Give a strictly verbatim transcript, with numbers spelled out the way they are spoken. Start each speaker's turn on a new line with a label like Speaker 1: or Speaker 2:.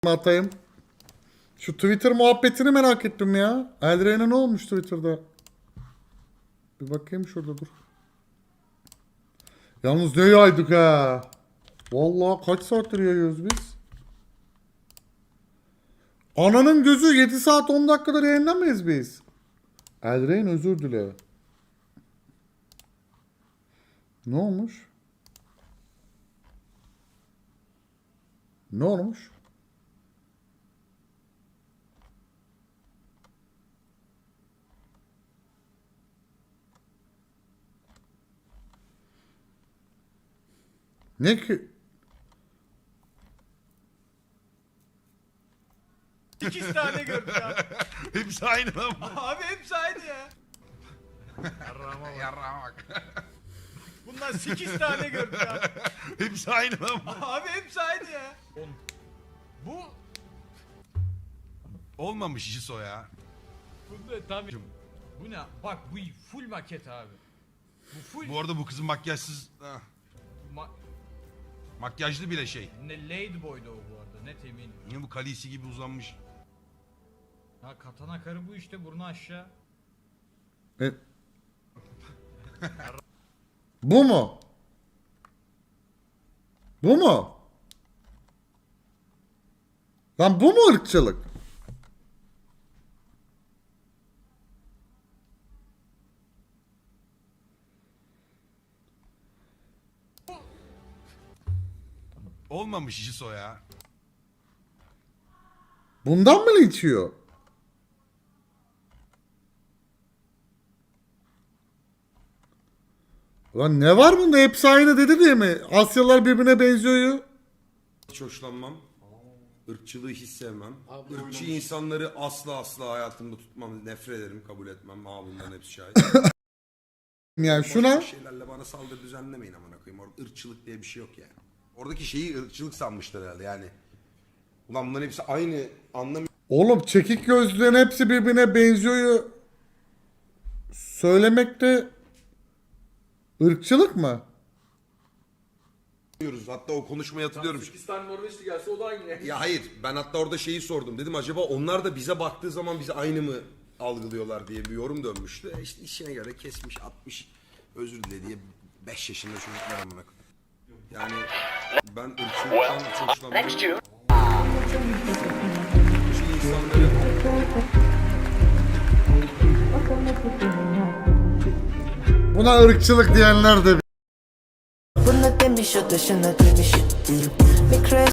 Speaker 1: atayım. Şu Twitter muhabbetini merak ettim ya. Eldrain'e ne olmuş Twitter'da? Bir bakayım şurada dur. Yalnız ne yaydık ha. Vallahi kaç saattir yayıyoruz biz? Ananın gözü yedi saat on dakikadır yayınlamayız biz. Eldrain özür dile. Ne olmuş? Ne olmuş? Ne ki?
Speaker 2: sekiz tane gördük abi.
Speaker 3: Hepsi aynı lan.
Speaker 2: Abi hepsi aynı ya.
Speaker 3: Yarrağa bak.
Speaker 2: Bundan sekiz tane gördük abi.
Speaker 3: Hepsi aynı lan.
Speaker 2: Abi hepsi aynı ya. Bu
Speaker 3: Olmamış işi o ya.
Speaker 2: bunda tabii. Bu ne? Bak bu full maket abi. Bu full
Speaker 3: Bu arada bu kızın makyajsız... Ah,
Speaker 2: ma-
Speaker 3: makyajlı bile şey.
Speaker 2: ne Ladyboy'du o bu arada net eminim.
Speaker 3: Niye bu kalisi gibi uzanmış?
Speaker 2: Ha katana karı bu işte burnu aşağı.
Speaker 1: E... Bu mu? Bu mu? Lan bu mu ırkçılık?
Speaker 3: Olmamış işi o ya.
Speaker 1: Bundan mı linç yiyor? Lan ne var bunda? Hepsi aynı dedi diye mi? Asyalılar birbirine benziyor.
Speaker 4: Hiç hoşlanmam. Irkçılığı hiç sevmem. Irkçı insanları asla asla hayatımda tutmam. Nefret ederim, kabul etmem. Aa bunların hepsi şahit.
Speaker 1: Yani
Speaker 4: Boş
Speaker 1: şuna
Speaker 4: boş şeylerle bana saldırı düzenlemeyin amına koyayım. Orada ırkçılık diye bir şey yok yani. Oradaki şeyi ırkçılık sanmışlar herhalde yani. Ulan bunların hepsi aynı anlamı.
Speaker 1: oğlum çekik gözlülerin hepsi birbirine benziyor. Söylemek de ırkçılık mı?
Speaker 4: Hatta o konuşmayı hatırlıyorum.
Speaker 5: sekiz tane Norveçli gelse o da aynı.
Speaker 4: Ya hayır, ben hatta orada şeyi sordum. Dedim acaba onlar da bize baktığı zaman bizi aynı mı algılıyorlar diye bir yorum dönmüştü. E İşte işine göre kesmiş, atmış, özür dile diye beş yaşında çocuklar amına koyayım. Yani ben ırkçılıktan hiç hoşlanmıyorum. Irkçı insanları
Speaker 1: Buna ırkçılık diyenler de
Speaker 6: Bunu demiş o da şuna demiş. Mikro